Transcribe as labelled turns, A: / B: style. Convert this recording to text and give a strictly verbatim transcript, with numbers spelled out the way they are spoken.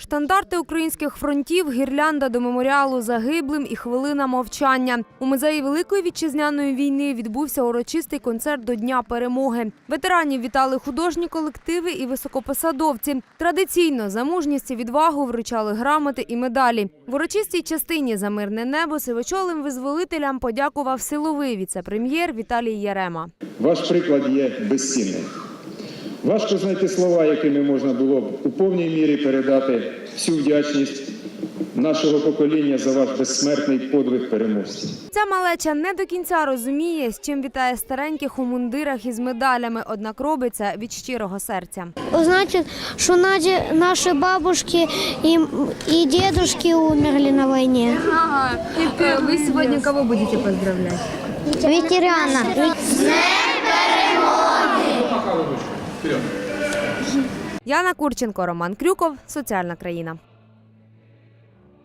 A: Штандарти українських фронтів, гірлянда до меморіалу загиблим і хвилина мовчання. У музеї Великої Вітчизняної війни відбувся урочистий концерт до Дня перемоги. Ветеранів вітали художні колективи і високопосадовці. Традиційно за мужність і відвагу вручали грамоти і медалі. В урочистій частині «За мирне небо» сивочолим визволителям подякував силовий віце-прем'єр Віталій Ярема.
B: Ваш приклад є безцінним. Важко знайти слова, якими можна було б у повній мірі передати всю вдячність нашого покоління за ваш безсмертний подвиг переможців.
A: Ця малеча не до кінця розуміє, з чим вітає стареньких у мундирах із медалями, однак робить це від щирого серця.
C: Значить, що наші бабушки і, і дідушки умерли на війні.
A: Ага. Ви сьогодні кого будете поздравляти?
C: Ветерана.
A: Яна Курченко, Роман Крюков, Соціальна країна.